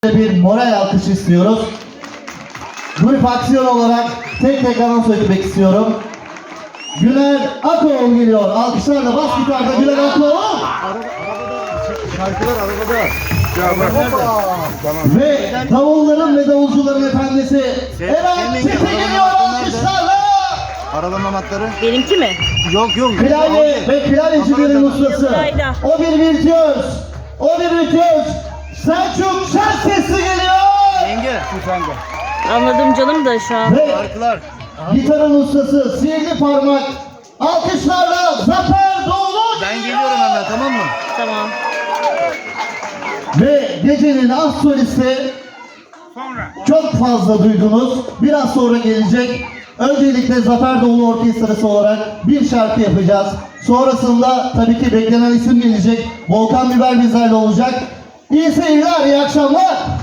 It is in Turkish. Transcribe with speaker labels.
Speaker 1: Bir moral alkış istiyoruz. Grup aksiyon olarak tek tek anons etmek istiyorum. Güler Akoğlu geliyor. Alkışlarla bas gitarda Güler Akoğlu.
Speaker 2: Şarkılar arabada.
Speaker 1: Ve davulların ve davulcuların efendisi Eren Çetin geliyor alkışlarla.
Speaker 2: Arabanın anahtarı.
Speaker 3: Benimki mi?
Speaker 2: Yok.
Speaker 1: Klavye ve klavyecilerin ustası.
Speaker 3: Yıldıray'da.
Speaker 1: O bir virtüöz. O bir virtüöz. Selçuk Şersesli geliyor.
Speaker 2: Yenge. Sende.
Speaker 3: Anladım canım da şu an.
Speaker 1: Ve
Speaker 2: Şarkılar.
Speaker 1: gitarın ustası Sihirli Parmak. Alkışlarla Zafer Doğulu
Speaker 2: Ben geliyorum hemen, tamam mı?
Speaker 3: Tamam.
Speaker 1: Ve gecenin as solisti çok fazla duydunuz. Biraz sonra gelecek. Öncelikle Zafer Doğulu Orkestrası olarak bir şarkı yapacağız. Sonrasında tabii ki beklenen isim gelecek. Volkan Biber bizlerle olacak. İyi seyirler, iyi akşamlar.